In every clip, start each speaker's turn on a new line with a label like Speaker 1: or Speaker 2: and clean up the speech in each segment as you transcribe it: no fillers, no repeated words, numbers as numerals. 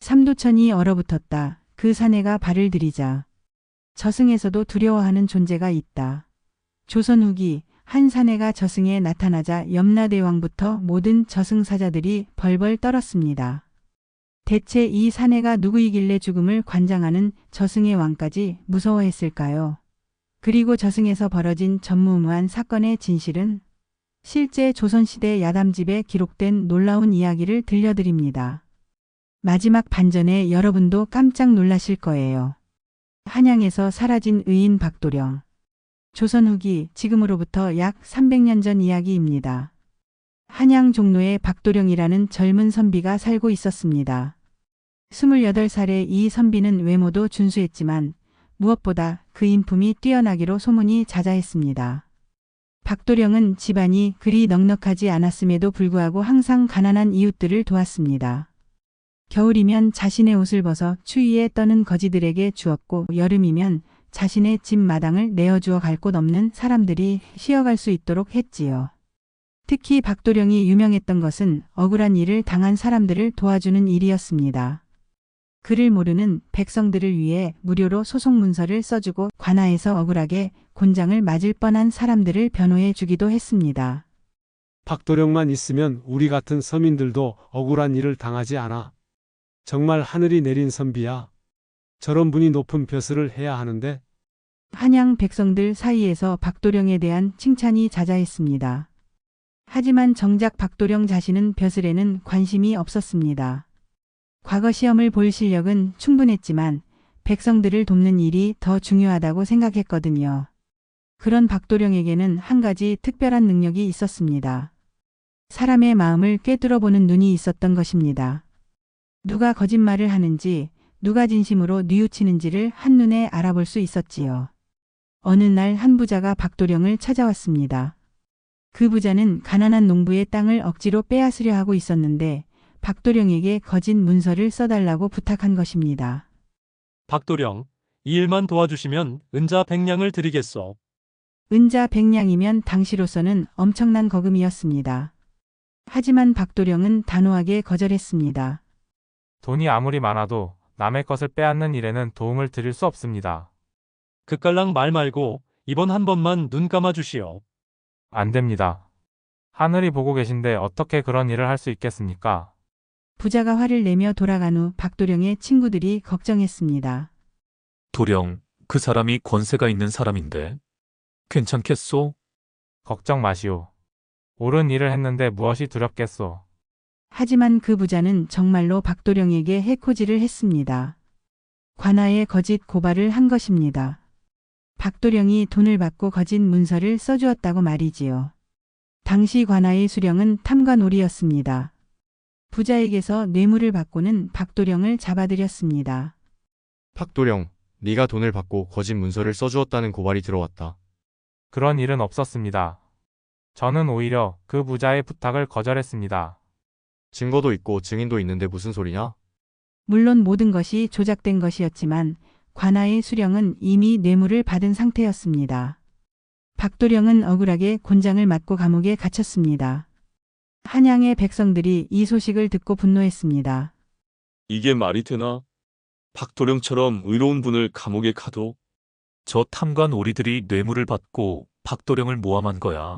Speaker 1: 삼도천이 얼어붙었다. 그 사내가 발을 들이자 저승에서도 두려워하는 존재가 있다. 조선 후기 한 사내가 저승에 나타나자 염라대왕부터 모든 저승사자들이 벌벌 떨었습니다. 대체 이 사내가 누구이길래 죽음을 관장하는 저승의 왕까지 무서워했을까요? 그리고 저승에서 벌어진 전무후무한 사건의 진실은? 실제 조선시대 야담집에 기록된 놀라운 이야기를 들려드립니다. 마지막 반전에 여러분도 깜짝 놀라실 거예요. 한양에서 사라진 의인 박도령. 조선 후기 지금으로부터 약 300년 전 이야기입니다. 한양 종로에 박도령이라는 젊은 선비가 살고 있었습니다. 28살의 이 선비는 외모도 준수했지만 무엇보다 그 인품이 뛰어나기로 소문이 자자했습니다. 박도령은 집안이 그리 넉넉하지 않았음에도 불구하고 항상 가난한 이웃들을 도왔습니다. 겨울이면 자신의 옷을 벗어 추위에 떠는 거지들에게 주었고 여름이면 자신의 집 마당을 내어주어 갈 곳 없는 사람들이 쉬어갈 수 있도록 했지요. 특히 박도령이 유명했던 것은 억울한 일을 당한 사람들을 도와주는 일이었습니다. 그를 모르는 백성들을 위해 무료로 소송문서를 써주고 관아에서 억울하게 곤장을 맞을 뻔한 사람들을 변호해 주기도 했습니다.
Speaker 2: 박도령만 있으면 우리 같은 서민들도 억울한 일을 당하지 않아. 정말 하늘이 내린 선비야. 저런 분이 높은 벼슬을 해야 하는데.
Speaker 1: 한양 백성들 사이에서 박도령에 대한 칭찬이 자자했습니다. 하지만 정작 박도령 자신은 벼슬에는 관심이 없었습니다. 과거 시험을 볼 실력은 충분했지만 백성들을 돕는 일이 더 중요하다고 생각했거든요. 그런 박도령에게는 한 가지 특별한 능력이 있었습니다. 사람의 마음을 꿰뚫어보는 눈이 있었던 것입니다. 누가 거짓말을 하는지, 누가 진심으로 뉘우치는지를 한눈에 알아볼 수 있었지요. 어느 날 한 부자가 박도령을 찾아왔습니다. 그 부자는 가난한 농부의 땅을 억지로 빼앗으려 하고 있었는데 박도령에게 거짓 문서를 써달라고 부탁한 것입니다.
Speaker 3: 박도령, 이 일만 도와주시면 은자 100냥을 드리겠소.
Speaker 1: 은자 100냥이면 당시로서는 엄청난 거금이었습니다. 하지만 박도령은 단호하게 거절했습니다.
Speaker 4: 돈이 아무리 많아도 남의 것을 빼앗는 일에는 도움을 드릴 수 없습니다.
Speaker 3: 그깔랑 말 말고 이번 한 번만 눈 감아 주시오.
Speaker 4: 안 됩니다. 하늘이 보고 계신데 어떻게 그런 일을 할 수 있겠습니까?
Speaker 1: 부자가 화를 내며 돌아간 후 박도령의 친구들이 걱정했습니다.
Speaker 5: 도령, 그 사람이 권세가 있는 사람인데 괜찮겠소?
Speaker 4: 걱정 마시오. 옳은 일을 했는데 무엇이 두렵겠소.
Speaker 1: 하지만 그 부자는 정말로 박도령에게 해코지를 했습니다. 관아에 거짓 고발을 한 것입니다. 박도령이 돈을 받고 거짓 문서를 써주었다고 말이지요. 당시 관아의 수령은 탐관오리였습니다. 부자에게서 뇌물을 받고는 박도령을 잡아들였습니다.
Speaker 6: 박도령, 네가 돈을 받고 거짓 문서를 써주었다는 고발이 들어왔다.
Speaker 4: 그런 일은 없었습니다. 저는 오히려 그 부자의 부탁을 거절했습니다.
Speaker 6: 증거도 있고 증인도 있는데 무슨 소리냐?
Speaker 1: 물론 모든 것이 조작된 것이었지만 관아의 수령은 이미 뇌물을 받은 상태였습니다. 박도령은 억울하게 곤장을 맞고 감옥에 갇혔습니다. 한양의 백성들이 이 소식을 듣고 분노했습니다.
Speaker 7: 이게 말이 되나? 박도령처럼 의로운 분을 감옥에 가도?
Speaker 5: 저 탐관 오리들이 뇌물을 받고 박도령을 모함한 거야.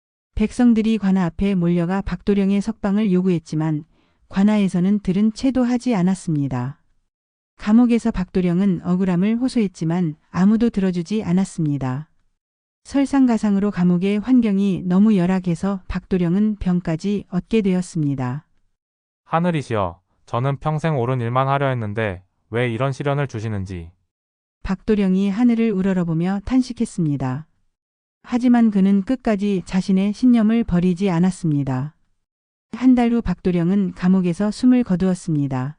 Speaker 1: 백성들이 관아 앞에 몰려가 박도령의 석방을 요구했지만 관아에서는 들은 채도 하지 않았습니다. 감옥에서 박도령은 억울함을 호소했지만 아무도 들어주지 않았습니다. 설상가상으로 감옥의 환경이 너무 열악해서 박도령은 병까지 얻게 되었습니다.
Speaker 4: 하늘이시여, 저는 평생 옳은 일만 하려 했는데 왜 이런 시련을 주시는지.
Speaker 1: 박도령이 하늘을 우러러보며 탄식했습니다. 하지만 그는 끝까지 자신의 신념을 버리지 않았습니다. 한 달 후 박도령은 감옥에서 숨을 거두었습니다.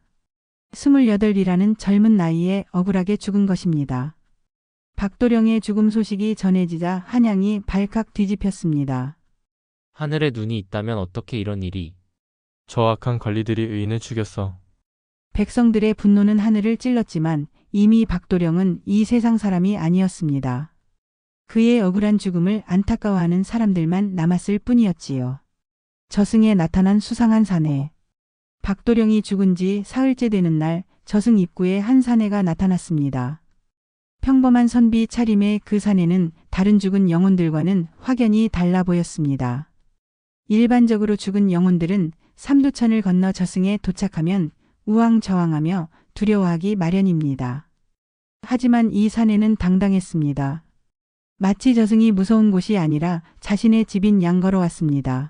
Speaker 1: 28이라는 젊은 나이에 억울하게 죽은 것입니다. 박도령의 죽음 소식이 전해지자 한양이 발칵 뒤집혔습니다.
Speaker 8: 하늘에 눈이 있다면 어떻게 이런 일이?
Speaker 9: 저 악한 관리들이 의인을 죽였어.
Speaker 1: 백성들의 분노는 하늘을 찔렀지만 이미 박도령은 이 세상 사람이 아니었습니다. 그의 억울한 죽음을 안타까워하는 사람들만 남았을 뿐이었지요. 저승에 나타난 수상한 사내. 박도령이 죽은 지 사흘째 되는 날 저승 입구에 한 사내가 나타났습니다. 평범한 선비 차림의 그 사내는 다른 죽은 영혼들과는 확연히 달라 보였습니다. 일반적으로 죽은 영혼들은 삼두천을 건너 저승에 도착하면 우왕좌왕하며 두려워하기 마련입니다. 하지만 이 사내는 당당했습니다. 마치 저승이 무서운 곳이 아니라 자신의 집인 양 걸어왔습니다.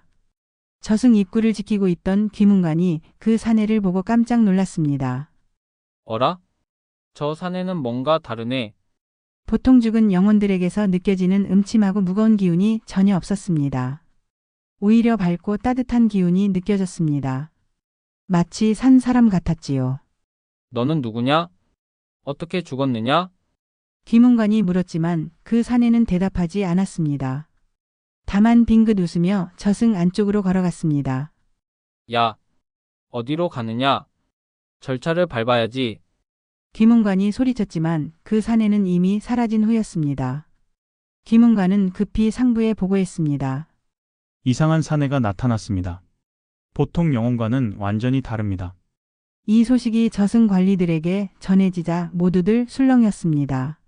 Speaker 1: 저승 입구를 지키고 있던 귀문관이 그 사내를 보고 깜짝 놀랐습니다.
Speaker 10: 어라? 저 사내는 뭔가 다르네.
Speaker 1: 보통 죽은 영혼들에게서 느껴지는 음침하고 무거운 기운이 전혀 없었습니다. 오히려 밝고 따뜻한 기운이 느껴졌습니다. 마치 산 사람 같았지요.
Speaker 10: 너는 누구냐? 어떻게 죽었느냐?
Speaker 1: 귀문관이 물었지만 그 사내는 대답하지 않았습니다. 다만 빙긋 웃으며 저승 안쪽으로 걸어갔습니다.
Speaker 10: 야, 어디로 가느냐? 절차를 밟아야지.
Speaker 1: 귀문관이 소리쳤지만 그 사내는 이미 사라진 후였습니다. 귀문관은 급히 상부에 보고했습니다.
Speaker 11: 이상한 사내가 나타났습니다. 보통 영혼과는 완전히 다릅니다.
Speaker 1: 이 소식이 저승 관리들에게 전해지자 모두들 술렁였습니다.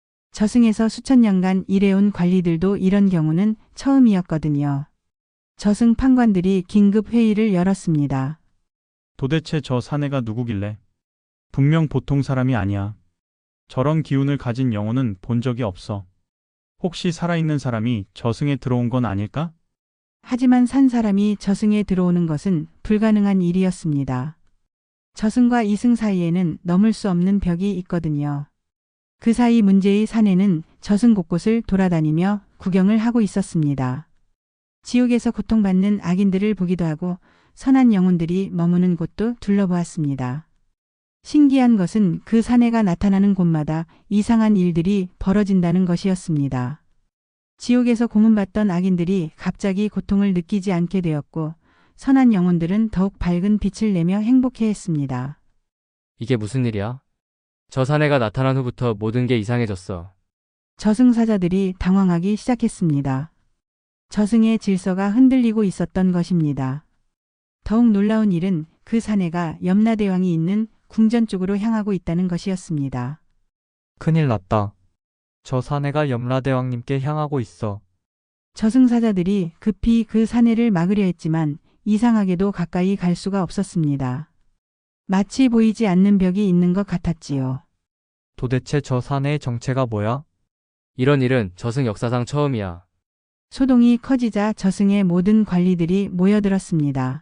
Speaker 1: 저승에서 수천 년간 일해온 관리들도 이런 경우는 처음이었거든요. 저승 판관들이 긴급 회의를 열었습니다.
Speaker 11: 도대체 저 사내가 누구길래? 분명 보통 사람이 아니야. 저런 기운을 가진 영혼은 본 적이 없어. 혹시 살아있는 사람이 저승에 들어온 건 아닐까?
Speaker 1: 하지만 산 사람이 저승에 들어오는 것은 불가능한 일이었습니다. 저승과 이승 사이에는 넘을 수 없는 벽이 있거든요. 그 사이 문제의 사내는 저승 곳곳을 돌아다니며 구경을 하고 있었습니다. 지옥에서 고통받는 악인들을 보기도 하고 선한 영혼들이 머무는 곳도 둘러보았습니다. 신기한 것은 그 사내가 나타나는 곳마다 이상한 일들이 벌어진다는 것이었습니다. 지옥에서 고문받던 악인들이 갑자기 고통을 느끼지 않게 되었고 선한 영혼들은 더욱 밝은 빛을 내며 행복해했습니다.
Speaker 8: 이게 무슨 일이야? 저 사내가 나타난 후부터 모든 게 이상해졌어.
Speaker 1: 저승사자들이 당황하기 시작했습니다. 저승의 질서가 흔들리고 있었던 것입니다. 더욱 놀라운 일은 그 사내가 염라대왕이 있는 궁전 쪽으로 향하고 있다는 것이었습니다.
Speaker 9: 큰일 났다. 저 사내가 염라대왕님께 향하고 있어.
Speaker 1: 저승사자들이 급히 그 사내를 막으려 했지만 이상하게도 가까이 갈 수가 없었습니다. 마치 보이지 않는 벽이 있는 것 같았지요.
Speaker 9: 도대체 저 사내의 정체가 뭐야?
Speaker 8: 이런 일은 저승 역사상 처음이야.
Speaker 1: 소동이 커지자 저승의 모든 관리들이 모여들었습니다.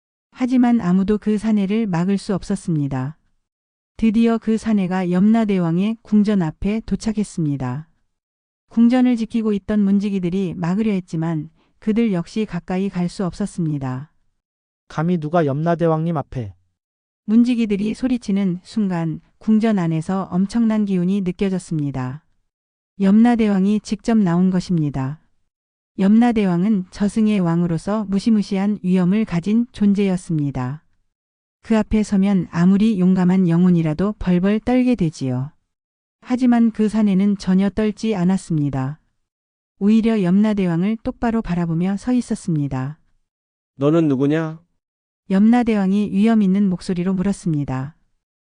Speaker 1: 하지만 아무도 그 사내를 막을 수 없었습니다. 드디어 그 사내가 염라대왕의 궁전 앞에 도착했습니다. 궁전을 지키고 있던 문지기들이 막으려 했지만 그들 역시 가까이 갈 수 없었습니다.
Speaker 12: 감히 누가 염라대왕님 앞에.
Speaker 1: 문지기들이 소리치는 순간 궁전 안에서 엄청난 기운이 느껴졌습니다. 염라대왕이 직접 나온 것입니다. 염라대왕은 저승의 왕으로서 무시무시한 위엄을 가진 존재였습니다. 그 앞에 서면 아무리 용감한 영혼이라도 벌벌 떨게 되지요. 하지만 그 사내는 전혀 떨지 않았습니다. 오히려 염라대왕을 똑바로 바라보며 서 있었습니다.
Speaker 13: 너는 누구냐?
Speaker 1: 염라대왕이 위엄 있는 목소리로 물었습니다.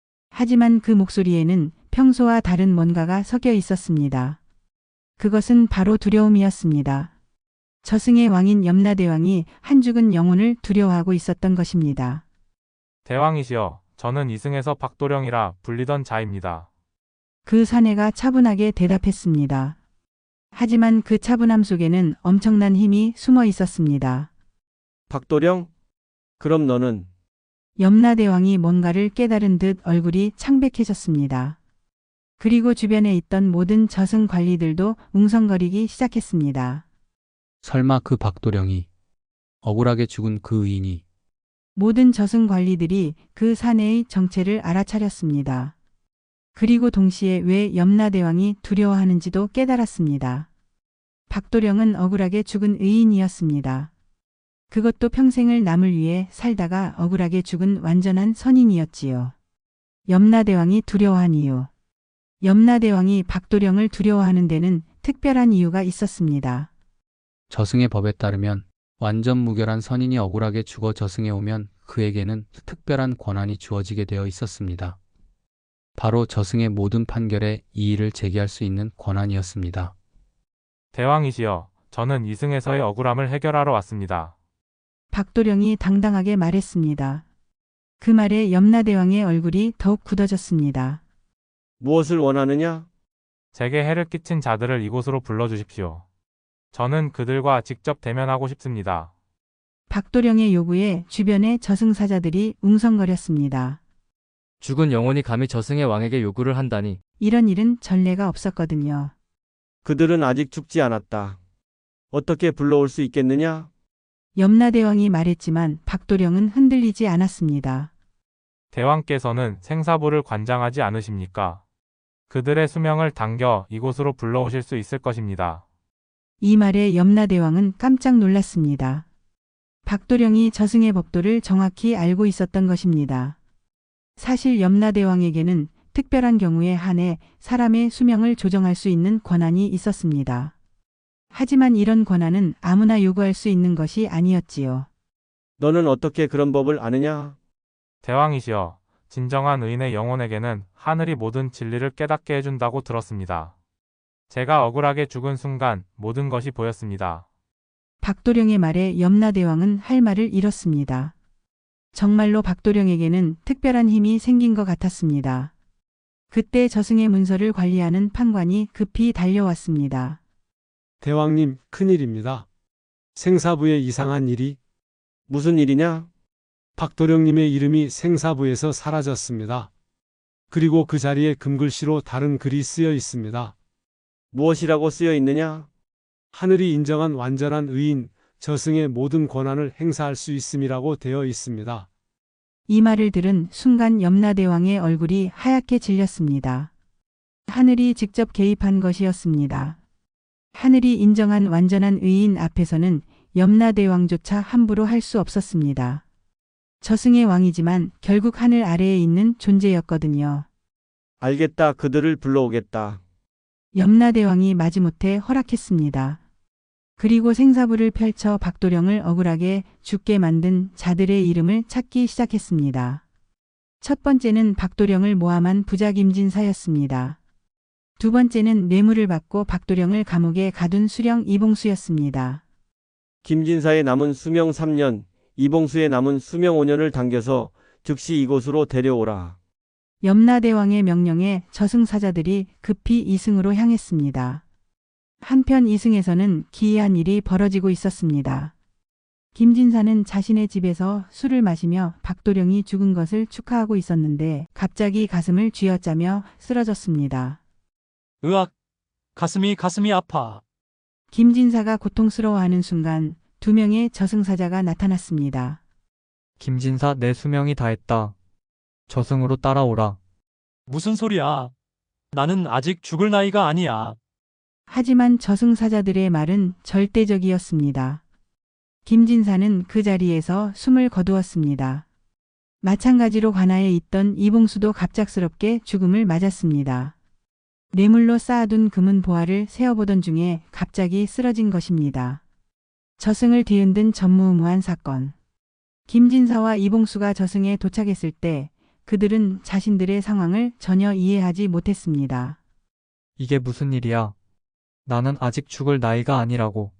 Speaker 1: 하지만 그 목소리에는 평소와 다른 뭔가가 섞여 있었습니다. 그것은 바로 두려움이었습니다. 저승의 왕인 염라대왕이 한 죽은 영혼을 두려워하고 있었던 것입니다.
Speaker 4: 대왕이시여, 저는 이승에서 박도령이라 불리던 자입니다.
Speaker 1: 그 사내가 차분하게 대답했습니다. 하지만 그 차분함 속에는 엄청난 힘이 숨어 있었습니다.
Speaker 13: 박도령? 그럼 너는?
Speaker 1: 염라대왕이 뭔가를 깨달은 듯 얼굴이 창백해졌습니다. 그리고 주변에 있던 모든 저승 관리들도 웅성거리기 시작했습니다.
Speaker 14: 설마 그 박도령이 억울하게 죽은 그 의인이.
Speaker 1: 모든 저승 관리들이 그 사내의 정체를 알아차렸습니다. 그리고 동시에 왜 염라대왕이 두려워하는지도 깨달았습니다. 박도령은 억울하게 죽은 의인이었습니다. 그것도 평생을 남을 위해 살다가 억울하게 죽은 완전한 선인이었지요. 염라대왕이 두려워한 이유. 염라대왕이 박도령을 두려워하는 데는 특별한 이유가 있었습니다.
Speaker 14: 저승의 법에 따르면 완전 무결한 선인이 억울하게 죽어 저승에 오면 그에게는 특별한 권한이 주어지게 되어 있었습니다. 바로 저승의 모든 판결에 이의를 제기할 수 있는 권한이었습니다.
Speaker 4: 대왕이시여, 저는 이승에서의 억울함을 해결하러 왔습니다.
Speaker 1: 박도령이 당당하게 말했습니다. 그 말에 염라대왕의 얼굴이 더욱 굳어졌습니다.
Speaker 13: 무엇을 원하느냐?
Speaker 4: 제게 해를 끼친 자들을 이곳으로 불러주십시오. 저는 그들과 직접 대면하고 싶습니다.
Speaker 1: 박도령의 요구에 주변의 저승사자들이 웅성거렸습니다.
Speaker 8: 죽은 영혼이 감히 저승의 왕에게 요구를 한다니.
Speaker 1: 이런 일은 전례가 없었거든요.
Speaker 13: 그들은 아직 죽지 않았다. 어떻게 불러올 수 있겠느냐?
Speaker 1: 염라대왕이 말했지만 박도령은 흔들리지 않았습니다.
Speaker 4: 대왕께서는 생사부를 관장하지 않으십니까? 그들의 수명을 당겨 이곳으로 불러오실 수 있을 것입니다.
Speaker 1: 이 말에 염라대왕은 깜짝 놀랐습니다. 박도령이 저승의 법도를 정확히 알고 있었던 것입니다. 사실 염라대왕에게는 특별한 경우에 한해 사람의 수명을 조정할 수 있는 권한이 있었습니다. 하지만 이런 권한은 아무나 요구할 수 있는 것이 아니었지요.
Speaker 13: 너는 어떻게 그런 법을 아느냐?
Speaker 4: 대왕이시여, 진정한 의인의 영혼에게는 하늘이 모든 진리를 깨닫게 해준다고 들었습니다. 제가 억울하게 죽은 순간 모든 것이 보였습니다.
Speaker 1: 박도령의 말에 염라대왕은 할 말을 잃었습니다. 정말로 박도령에게는 특별한 힘이 생긴 것 같았습니다. 그때 저승의 문서를 관리하는 판관이 급히 달려왔습니다.
Speaker 2: 대왕님, 큰일입니다. 생사부에 이상한 일이.
Speaker 13: 무슨 일이냐?
Speaker 2: 박도령님의 이름이 생사부에서 사라졌습니다. 그리고 그 자리에 금글씨로 다른 글이 쓰여 있습니다.
Speaker 13: 무엇이라고 쓰여 있느냐?
Speaker 2: 하늘이 인정한 완전한 의인, 저승의 모든 권한을 행사할 수 있음이라고 되어 있습니다.
Speaker 1: 이 말을 들은 순간 염라대왕의 얼굴이 하얗게 질렸습니다. 하늘이 직접 개입한 것이었습니다. 하늘이 인정한 완전한 의인 앞에서는 염라대왕조차 함부로 할 수 없었습니다. 저승의 왕이지만 결국 하늘 아래에 있는 존재였거든요.
Speaker 13: 알겠다. 그들을 불러오겠다.
Speaker 1: 염라대왕이 마지못해 허락했습니다. 그리고 생사부를 펼쳐 박도령을 억울하게 죽게 만든 자들의 이름을 찾기 시작했습니다. 첫 번째는 박도령을 모함한 부자 김진사였습니다. 두 번째는 뇌물을 받고 박도령을 감옥에 가둔 수령 이봉수였습니다.
Speaker 13: 김진사의 남은 수명 3년, 이봉수의 남은 수명 5년을 당겨서 즉시 이곳으로 데려오라.
Speaker 1: 염라대왕의 명령에 저승사자들이 급히 이승으로 향했습니다. 한편 이승에서는 기이한 일이 벌어지고 있었습니다. 김진사는 자신의 집에서 술을 마시며 박도령이 죽은 것을 축하하고 있었는데 갑자기 가슴을 쥐어짜며 쓰러졌습니다.
Speaker 3: 으악! 가슴이 아파.
Speaker 1: 김진사가 고통스러워하는 순간 두 명의 저승사자가 나타났습니다.
Speaker 9: 김진사, 내 수명이 다했다. 저승으로 따라오라.
Speaker 3: 무슨 소리야? 나는 아직 죽을 나이가 아니야.
Speaker 1: 하지만 저승사자들의 말은 절대적이었습니다. 김진사는 그 자리에서 숨을 거두었습니다. 마찬가지로 관아에 있던 이봉수도 갑작스럽게 죽음을 맞았습니다. 뇌물로 쌓아둔 금은 보화를 세어보던 중에 갑자기 쓰러진 것입니다. 저승을 뒤흔든 전무후무한 사건. 김진사와 이봉수가 저승에 도착했을 때 그들은 자신들의 상황을 전혀 이해하지 못했습니다.
Speaker 9: 이게 무슨 일이야? 나는 아직 죽을 나이가 아니라고.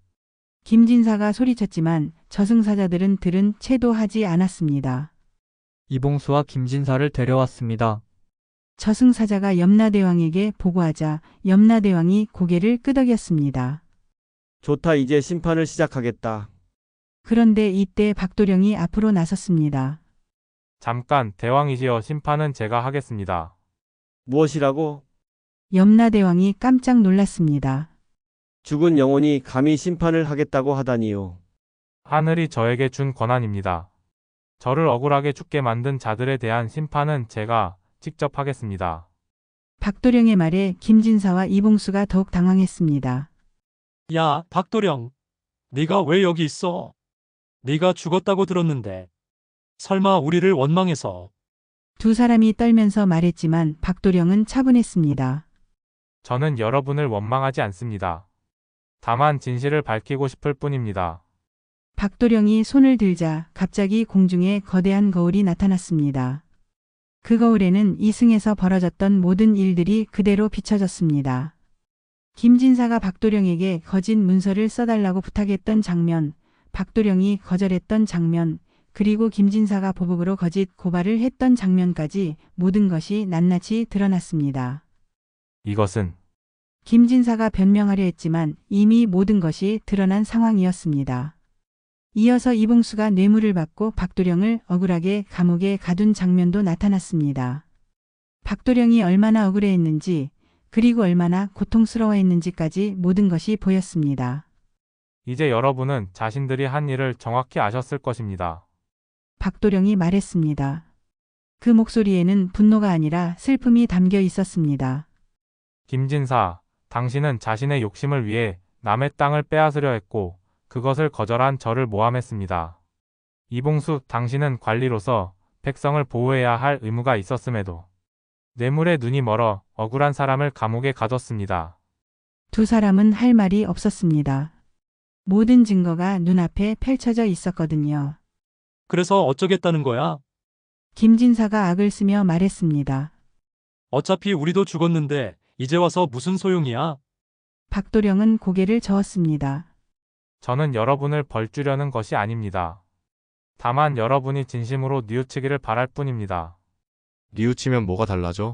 Speaker 1: 김진사가 소리쳤지만 저승사자들은 들은 채도 하지 않았습니다.
Speaker 9: 이봉수와 김진사를 데려왔습니다.
Speaker 1: 저승사자가 염라대왕에게 보고하자 염라대왕이 고개를 끄덕였습니다.
Speaker 13: 좋다. 이제 심판을 시작하겠다.
Speaker 1: 그런데 이때 박도령이 앞으로 나섰습니다.
Speaker 4: 잠깐, 대왕이시여, 심판은 제가 하겠습니다.
Speaker 13: 무엇이라고?
Speaker 1: 염라대왕이 깜짝 놀랐습니다.
Speaker 13: 죽은 영혼이 감히 심판을 하겠다고 하다니요.
Speaker 4: 하늘이 저에게 준 권한입니다. 저를 억울하게 죽게 만든 자들에 대한 심판은 제가 직접 하겠습니다.
Speaker 1: 박도령의 말에 김진사와 이봉수가 더욱 당황했습니다.
Speaker 3: 야, 박도령. 네가 왜 여기 있어? 네가 죽었다고 들었는데. 설마 우리를 원망해서.
Speaker 1: 두 사람이 떨면서 말했지만 박도령은 차분했습니다.
Speaker 4: 저는 여러분을 원망하지 않습니다. 다만 진실을 밝히고 싶을 뿐입니다.
Speaker 1: 박도령이 손을 들자 갑자기 공중에 거대한 거울이 나타났습니다. 그 거울에는 이승에서 벌어졌던 모든 일들이 그대로 비춰졌습니다. 김진사가 박도령에게 거짓 문서를 써달라고 부탁했던 장면, 박도령이 거절했던 장면, 그리고 김진사가 보복으로 거짓 고발을 했던 장면까지 모든 것이 낱낱이 드러났습니다.
Speaker 4: 이것은
Speaker 1: 김진사가 변명하려 했지만 이미 모든 것이 드러난 상황이었습니다. 이어서 이봉수가 뇌물을 받고 박도령을 억울하게 감옥에 가둔 장면도 나타났습니다. 박도령이 얼마나 억울해했는지 그리고 얼마나 고통스러워했는지까지 모든 것이 보였습니다.
Speaker 4: 이제 여러분은 자신들이 한 일을 정확히 아셨을 것입니다.
Speaker 1: 박도령이 말했습니다. 그 목소리에는 분노가 아니라 슬픔이 담겨 있었습니다.
Speaker 4: 김진사, 당신은 자신의 욕심을 위해 남의 땅을 빼앗으려 했고 그것을 거절한 저를 모함했습니다. 이봉수, 당신은 관리로서 백성을 보호해야 할 의무가 있었음에도 뇌물에 눈이 멀어 억울한 사람을 감옥에 가뒀습니다.
Speaker 1: 두 사람은 할 말이 없었습니다. 모든 증거가 눈앞에 펼쳐져 있었거든요.
Speaker 3: 그래서 어쩌겠다는 거야?
Speaker 1: 김진사가 악을 쓰며 말했습니다.
Speaker 3: 어차피 우리도 죽었는데 이제 와서 무슨 소용이야?
Speaker 1: 박도령은 고개를 저었습니다.
Speaker 4: 저는 여러분을 벌주려는 것이 아닙니다. 다만 여러분이 진심으로 뉘우치기를 바랄 뿐입니다.
Speaker 6: 뉘우치면 뭐가 달라져?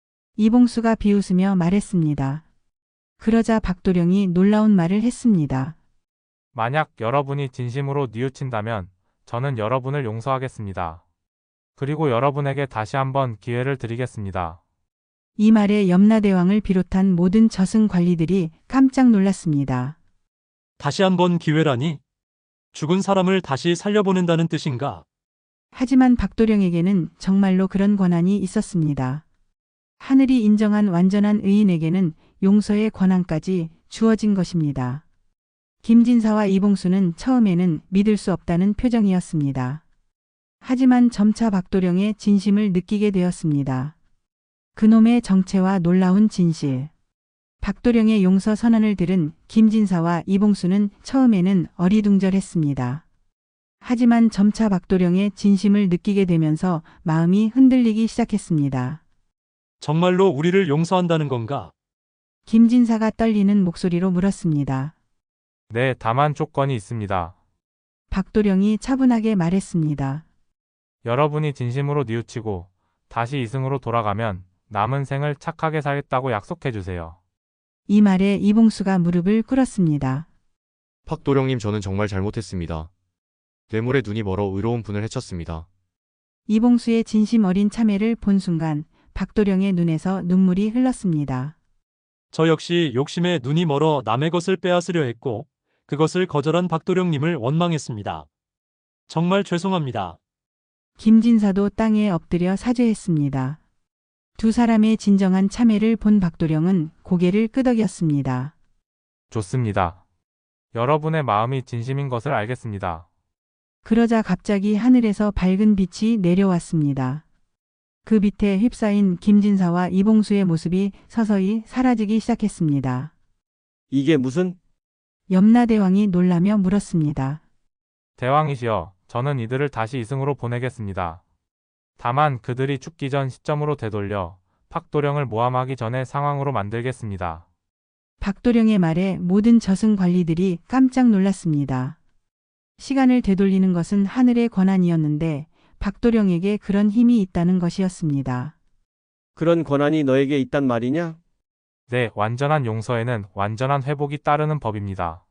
Speaker 1: 이봉수가 비웃으며 말했습니다. 그러자 박도령이 놀라운 말을 했습니다.
Speaker 4: 만약 여러분이 진심으로 뉘우친다면 저는 여러분을 용서하겠습니다. 그리고 여러분에게 다시 한번 기회를 드리겠습니다.
Speaker 1: 이 말에 염라대왕을 비롯한 모든 저승 관리들이 깜짝 놀랐습니다.
Speaker 3: 다시 한번 기회라니? 죽은 사람을 다시 살려보낸다는 뜻인가?
Speaker 1: 하지만 박도령에게는 정말로 그런 권한이 있었습니다. 하늘이 인정한 완전한 의인에게는 용서의 권한까지 주어진 것입니다. 김진사와 이봉수는 처음에는 믿을 수 없다는 표정이었습니다. 하지만 점차 박도령의 진심을 느끼게 되었습니다. 그놈의 정체와 놀라운 진실. 박도령의 용서 선언을 들은 김진사와 이봉수는 처음에는 어리둥절했습니다. 하지만 점차 박도령의 진심을 느끼게 되면서 마음이 흔들리기 시작했습니다.
Speaker 3: 정말로 우리를 용서한다는 건가?
Speaker 1: 김진사가 떨리는 목소리로 물었습니다.
Speaker 4: 네, 다만 조건이 있습니다.
Speaker 1: 박도령이 차분하게 말했습니다.
Speaker 4: 여러분이 진심으로 뉘우치고 다시 이승으로 돌아가면 남은 생을 착하게 살겠다고 약속해 주세요.
Speaker 1: 이 말에 이봉수가 무릎을 꿇었습니다.
Speaker 6: 박도령님, 저는 정말 잘못했습니다. 뇌물에 눈이 멀어 의로운 분을 해쳤습니다.
Speaker 1: 이봉수의 진심 어린 참회를 본 순간 박도령의 눈에서 눈물이 흘렀습니다.
Speaker 3: 저 역시 욕심에 눈이 멀어 남의 것을 빼앗으려 했고 그것을 거절한 박도령님을 원망했습니다. 정말 죄송합니다.
Speaker 1: 김진사도 땅에 엎드려 사죄했습니다. 두 사람의 진정한 참회를 본 박도령은 고개를 끄덕였습니다.
Speaker 4: 좋습니다. 여러분의 마음이 진심인 것을 알겠습니다.
Speaker 1: 그러자 갑자기 하늘에서 밝은 빛이 내려왔습니다. 그 빛에 휩싸인 김진사와 이봉수의 모습이 서서히 사라지기 시작했습니다.
Speaker 13: 이게 무슨?
Speaker 1: 염라대왕이 놀라며 물었습니다.
Speaker 4: 대왕이시여, 저는 이들을 다시 이승으로 보내겠습니다. 다만 그들이 죽기 전 시점으로 되돌려 박도령을 모함하기 전의 상황으로 만들겠습니다.
Speaker 1: 박도령의 말에 모든 저승 관리들이 깜짝 놀랐습니다. 시간을 되돌리는 것은 하늘의 권한이었는데 박도령에게 그런 힘이 있다는 것이었습니다.
Speaker 13: 그런 권한이 너에게 있단 말이냐?
Speaker 4: 네, 완전한 용서에는 완전한 회복이 따르는 법입니다.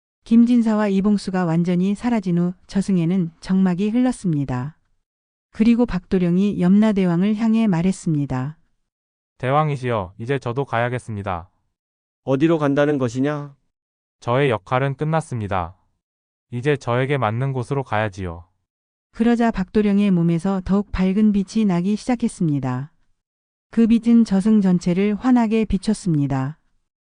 Speaker 1: 김진사와 이봉수가 완전히 사라진 후 저승에는 정막이 흘렀습니다. 그리고 박도령이 염라대왕을 향해 말했습니다.
Speaker 4: 대왕이시여, 이제 저도 가야겠습니다.
Speaker 13: 어디로 간다는 것이냐?
Speaker 4: 저의 역할은 끝났습니다. 이제 저에게 맞는 곳으로 가야지요.
Speaker 1: 그러자 박도령의 몸에서 더욱 밝은 빛이 나기 시작했습니다. 그 빛은 저승 전체를 환하게 비췄습니다.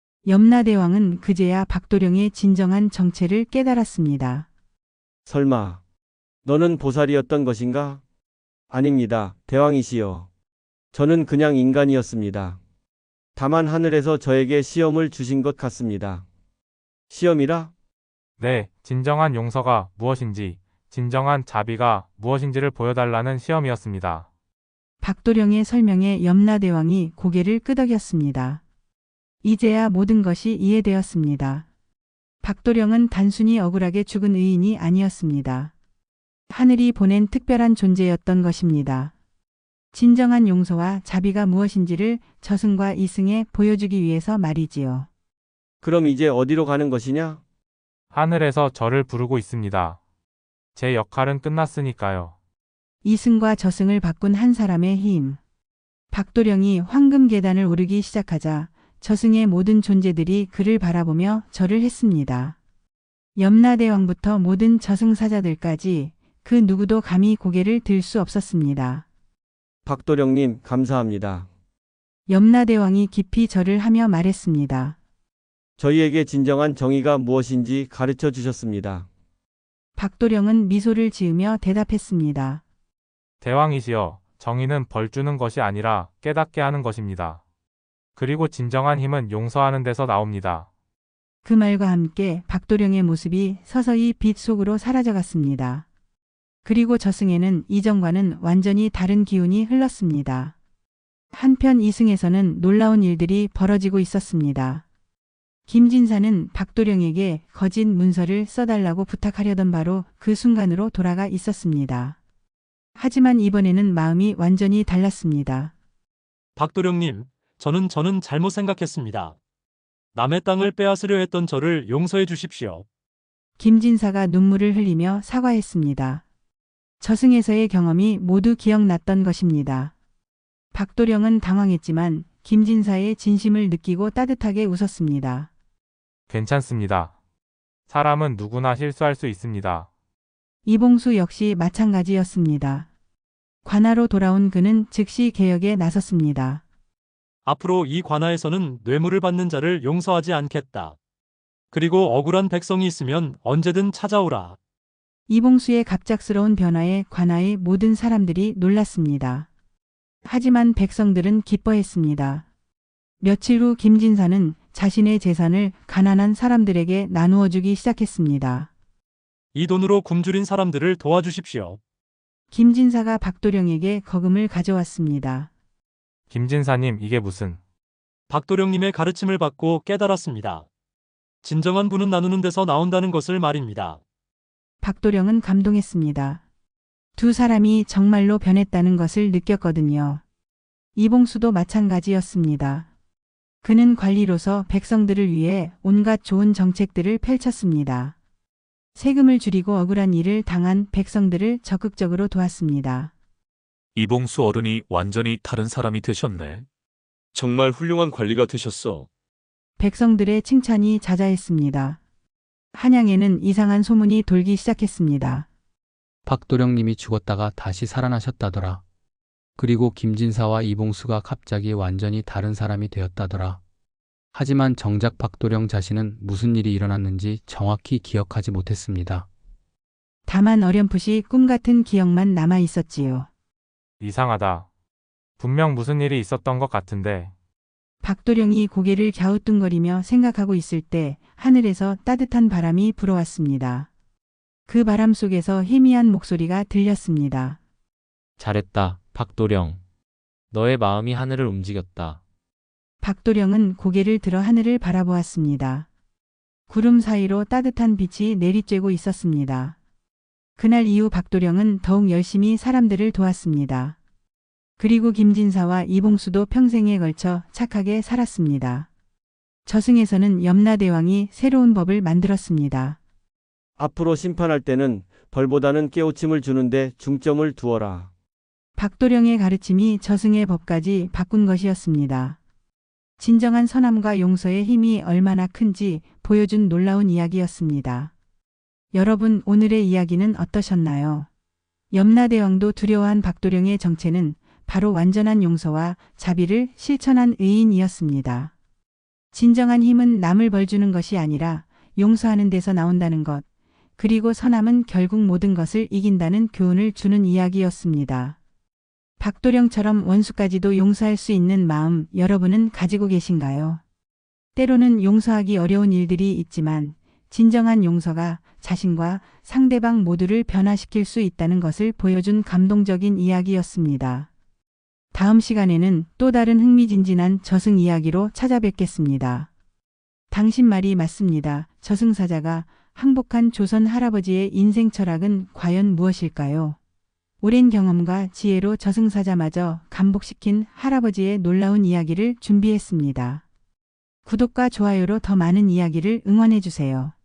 Speaker 1: 염라대왕은 그제야 박도령의 진정한 정체를 깨달았습니다.
Speaker 13: 설마 너는 보살이었던 것인가? 아닙니다, 대왕이시여. 저는 그냥 인간이었습니다. 다만 하늘에서 저에게 시험을 주신 것 같습니다. 시험이라?
Speaker 4: 네, 진정한 용서가 무엇인지, 진정한 자비가 무엇인지를 보여달라는 시험이었습니다.
Speaker 1: 박도령의 설명에 염라대왕이 고개를 끄덕였습니다. 이제야 모든 것이 이해되었습니다. 박도령은 단순히 억울하게 죽은 의인이 아니었습니다. 하늘이 보낸 특별한 존재였던 것입니다. 진정한 용서와 자비가 무엇인지를 저승과 이승에 보여주기 위해서 말이지요.
Speaker 13: 그럼 이제 어디로 가는 것이냐?
Speaker 4: 하늘에서 저를 부르고 있습니다. 제 역할은 끝났으니까요.
Speaker 1: 이승과 저승을 바꾼 한 사람의 힘. 박도령이 황금 계단을 오르기 시작하자 저승의 모든 존재들이 그를 바라보며 절을 했습니다. 염라대왕부터 모든 저승사자들까지 그 누구도 감히 고개를 들 수 없었습니다.
Speaker 13: 박도령님, 감사합니다.
Speaker 1: 염라대왕이 깊이 절을 하며 말했습니다.
Speaker 13: 저희에게 진정한 정의가 무엇인지 가르쳐 주셨습니다.
Speaker 1: 박도령은 미소를 지으며 대답했습니다.
Speaker 4: 대왕이시여, 정의는 벌 주는 것이 아니라 깨닫게 하는 것입니다. 그리고 진정한 힘은 용서하는 데서 나옵니다.
Speaker 1: 그 말과 함께 박도령의 모습이 서서히 빛 속으로 사라져갔습니다. 그리고 저승에는 이전과는 완전히 다른 기운이 흘렀습니다. 한편 이승에서는 놀라운 일들이 벌어지고 있었습니다. 김진사는 박도령에게 거짓 문서를 써달라고 부탁하려던 바로 그 순간으로 돌아가 있었습니다. 하지만 이번에는 마음이 완전히 달랐습니다.
Speaker 3: 박도령님, 저는 잘못 생각했습니다. 남의 땅을 빼앗으려 했던 저를 용서해 주십시오.
Speaker 1: 김진사가 눈물을 흘리며 사과했습니다. 저승에서의 경험이 모두 기억났던 것입니다. 박도령은 당황했지만 김진사의 진심을 느끼고 따뜻하게 웃었습니다.
Speaker 4: 괜찮습니다. 사람은 누구나 실수할 수 있습니다.
Speaker 1: 이봉수 역시 마찬가지였습니다. 관아로 돌아온 그는 즉시 개혁에 나섰습니다.
Speaker 3: 앞으로 이 관아에서는 뇌물을 받는 자를 용서하지 않겠다. 그리고 억울한 백성이 있으면 언제든 찾아오라.
Speaker 1: 이봉수의 갑작스러운 변화에 관아의 모든 사람들이 놀랐습니다. 하지만 백성들은 기뻐했습니다. 며칠 후 김진사는 자신의 재산을 가난한 사람들에게 나누어 주기 시작했습니다.
Speaker 3: 이 돈으로 굶주린 사람들을 도와주십시오.
Speaker 1: 김진사가 박도령에게 거금을 가져왔습니다.
Speaker 4: 김진사님, 이게 무슨...
Speaker 3: 박도령님의 가르침을 받고 깨달았습니다. 진정한 분은 나누는 데서 나온다는 것을 말입니다.
Speaker 1: 박도령은 감동했습니다. 두 사람이 정말로 변했다는 것을 느꼈거든요. 이봉수도 마찬가지였습니다. 그는 관리로서 백성들을 위해 온갖 좋은 정책들을 펼쳤습니다. 세금을 줄이고 억울한 일을 당한 백성들을 적극적으로 도왔습니다.
Speaker 5: 이봉수 어른이 완전히 다른 사람이 되셨네.
Speaker 7: 정말 훌륭한 관리가 되셨어.
Speaker 1: 백성들의 칭찬이 자자했습니다. 한양에는 이상한 소문이 돌기 시작했습니다.
Speaker 14: 박도령님이 죽었다가 다시 살아나셨다더라. 그리고 김진사와 이봉수가 갑자기 완전히 다른 사람이 되었다더라. 하지만 정작 박도령 자신은 무슨 일이 일어났는지 정확히 기억하지 못했습니다.
Speaker 1: 다만 어렴풋이 꿈 같은 기억만 남아 있었지요.
Speaker 4: 이상하다. 분명 무슨 일이 있었던 것 같은데...
Speaker 1: 박도령이 고개를 갸우뚱거리며 생각하고 있을 때 하늘에서 따뜻한 바람이 불어왔습니다. 그 바람 속에서 희미한 목소리가 들렸습니다.
Speaker 8: 잘했다, 박도령. 너의 마음이 하늘을 움직였다.
Speaker 1: 박도령은 고개를 들어 하늘을 바라보았습니다. 구름 사이로 따뜻한 빛이 내리쬐고 있었습니다. 그날 이후 박도령은 더욱 열심히 사람들을 도왔습니다. 그리고 김진사와 이봉수도 평생에 걸쳐 착하게 살았습니다. 저승에서는 염라대왕이 새로운 법을 만들었습니다.
Speaker 13: 앞으로 심판할 때는 벌보다는 깨우침을 주는데 중점을 두어라.
Speaker 1: 박도령의 가르침이 저승의 법까지 바꾼 것이었습니다. 진정한 선함과 용서의 힘이 얼마나 큰지 보여준 놀라운 이야기였습니다. 여러분, 오늘의 이야기는 어떠셨나요? 염라대왕도 두려워한 박도령의 정체는 바로 완전한 용서와 자비를 실천한 의인이었습니다. 진정한 힘은 남을 벌주는 것이 아니라 용서하는 데서 나온다는 것, 그리고 선함은 결국 모든 것을 이긴다는 교훈을 주는 이야기였습니다. 박도령처럼 원수까지도 용서할 수 있는 마음 여러분은 가지고 계신가요? 때로는 용서하기 어려운 일들이 있지만 진정한 용서가 자신과 상대방 모두를 변화시킬 수 있다는 것을 보여준 감동적인 이야기였습니다. 다음 시간에는 또 다른 흥미진진한 저승 이야기로 찾아뵙겠습니다. 당신 말이 맞습니다. 저승사자가 항복한 조선 할아버지의 인생 철학은 과연 무엇일까요? 오랜 경험과 지혜로 저승사자마저 감복시킨 할아버지의 놀라운 이야기를 준비했습니다. 구독과 좋아요로 더 많은 이야기를 응원해주세요.